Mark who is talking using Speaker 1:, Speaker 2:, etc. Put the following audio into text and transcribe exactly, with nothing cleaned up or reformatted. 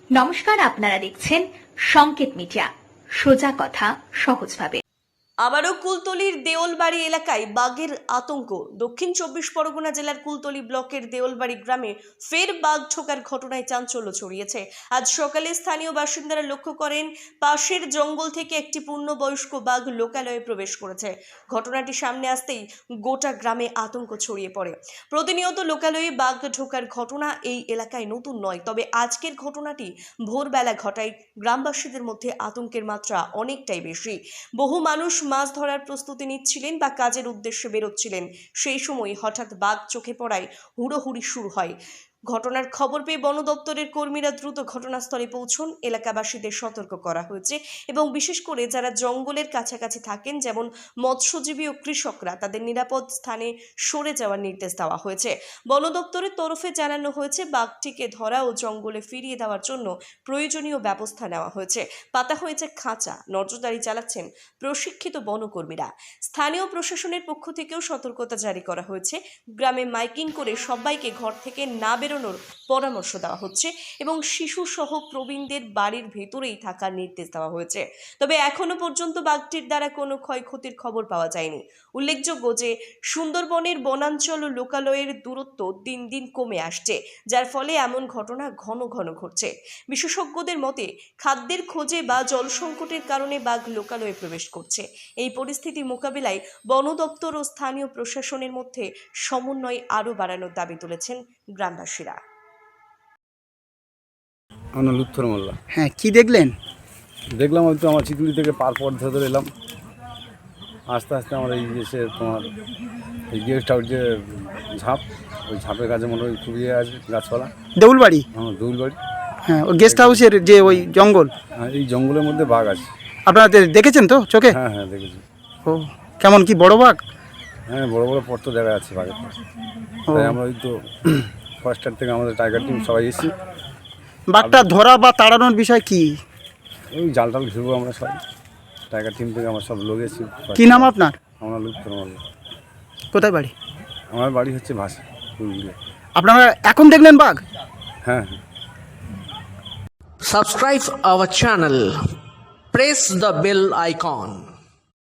Speaker 1: নমস্কার, আপনারা দেখছেন সংকেত মিডিয়া, সোজা কথা সহজভাবে।
Speaker 2: আবারও কুলতলির দেওলবাড়ি এলাকায় বাঘের আতঙ্ক। দক্ষিণ চব্বিশ পরগনা জেলার কুলতলি ব্লকের দেওলবাড়ি গ্রামে ফের বাঘ ঢোকার ঘটনায় চাঞ্চল্য ছড়িয়েছে। আজ সকালে স্থানীয় বাসিন্দারা লক্ষ্য করেন পাশের জঙ্গল থেকে একটি পূর্ণবয়স্ক বাঘ লোকালয়ে প্রবেশ করেছে। ঘটনাটি সামনে আসতেই গোটা গ্রামে আতঙ্ক ছড়িয়ে পড়ে। প্রতিনিয়ত লোকালয়ে বাঘ ঢোকার ঘটনা এই এলাকায় নতুন নয়, তবে আজকের ঘটনাটি ভোরবেলা ঘটায় গ্রামবাসীদের মধ্যে আতঙ্কের মাত্রা অনেকটাই বেশি। বহু মানুষ মাছ ধরার প্রস্তুতি নিচ্ছিলেন বা কাজের উদ্দেশ্যে বেরোচ্ছিলেন। সেই সময় হঠাৎ বাঘ চোখে পড়ায় হুড়োহুড়ি শুরু হয়। ঘটনার খবর পেয়ে বন দপ্তরের কর্মীরা দ্রুত ঘটনাস্থলে পৌঁছন। এলাকাবাসীদের সতর্ক করা হয়েছে এবং বিশেষ করে যারা জঙ্গলের কাছাকাছি থাকেন, যেমন মৎস্যজীবী ও কৃষকরা, তাদের নিরাপদ স্থানে সরে যাওয়ার নির্দেশ দেওয়া হয়েছে। বন দপ্তরের তরফে জানানো হয়েছে বাঘটিকে ধরা ও জঙ্গলে ফিরিয়ে দেওয়ার জন্য প্রয়োজনীয় ব্যবস্থা নেওয়া হয়েছে। পাতা হয়েছে খাঁচা, নজরদারি চালাচ্ছেন প্রশিক্ষিত বনকর্মীরা। স্থানীয় প্রশাসনের পক্ষ থেকেও সতর্কতা জারি করা হয়েছে। গ্রামে মাইকিং করে সবাইকে ঘর থেকে না বেরোনোর পরামর্শ দেওয়া হচ্ছে এবং শিশু সহ প্রবীণদের বাড়ির ভেতরেই থাকার নির্দেশ দেওয়া হয়েছে। তবে এখনো পর্যন্ত বাঘটির দ্বারা কোনো ক্ষয়ক্ষতির খবর পাওয়া যায়নি। উল্লেখযোগ্য যে সুন্দরবনের বনাঞ্চল ও লোকালয়ের দূরত্ব দিন দিন কমে আসছে, যার ফলে এমন ঘটনা ঘন ঘন ঘটছে। বিশেষজ্ঞদের মতে খাদ্যের খোঁজে বা জল সংকটের কারণে বাঘ লোকালয়ে প্রবেশ করছে। এই পরিস্থিতি মোকাবিলায় বন দপ্তর ও স্থানীয় প্রশাসনের মধ্যে সমন্বয় আরও বাড়ানোর দাবি তুলেছেন গ্রামবাসীরা।
Speaker 3: আমার লুৎফর মোল্লা।
Speaker 4: হ্যাঁ, কি দেখলেন?
Speaker 3: দেখলাম হয়তো আমার চিকুলি থেকে পার পথ ধরে এলাম, আস্তে আস্তে আমার এই এসে তোমার এই গেস্ট হাউস যে ঝাঁপ, ওই ঝাঁপের কাছে মনে হয় খুবই আছে গাছপালা।
Speaker 4: দেউলবাড়ি?
Speaker 3: আমার দৌলবাড়ি।
Speaker 4: হ্যাঁ, ওই গেস্ট হাউসের যে ওই জঙ্গল।
Speaker 3: হ্যাঁ, এই জঙ্গলের মধ্যে বাঘ আছে।
Speaker 4: আপনারা দেখেছেন তো চোখে?
Speaker 3: হ্যাঁ হ্যাঁ দেখেছি।
Speaker 4: ও, কেমন, কি বড় বাঘ?
Speaker 3: হ্যাঁ, বড় বড় পর্ত দেখা যাচ্ছে বাঘের। তাই আমরা ওই তো ফরেস্টার থেকে আমাদের টাইগার টিম সবাই এসেছি।
Speaker 4: বাঘটা ধরা বা তাড়ানোর বিষয় কি?
Speaker 3: ওই জাল টাল ঘিরবো আমরা সবাই, টাইগার টিম থেকে আমরা সব লোক এসেছি।
Speaker 4: কি নাম আপনার?
Speaker 3: আমার লুৎফর মোল্লা।
Speaker 4: কোথায় বাড়ি?
Speaker 3: আমার বাড়ি হচ্ছে ভাষা।
Speaker 4: আপনারা এখন দেখলেন বাঘ?
Speaker 3: হ্যাঁ।
Speaker 5: Subscribe our channel. Press the bell icon.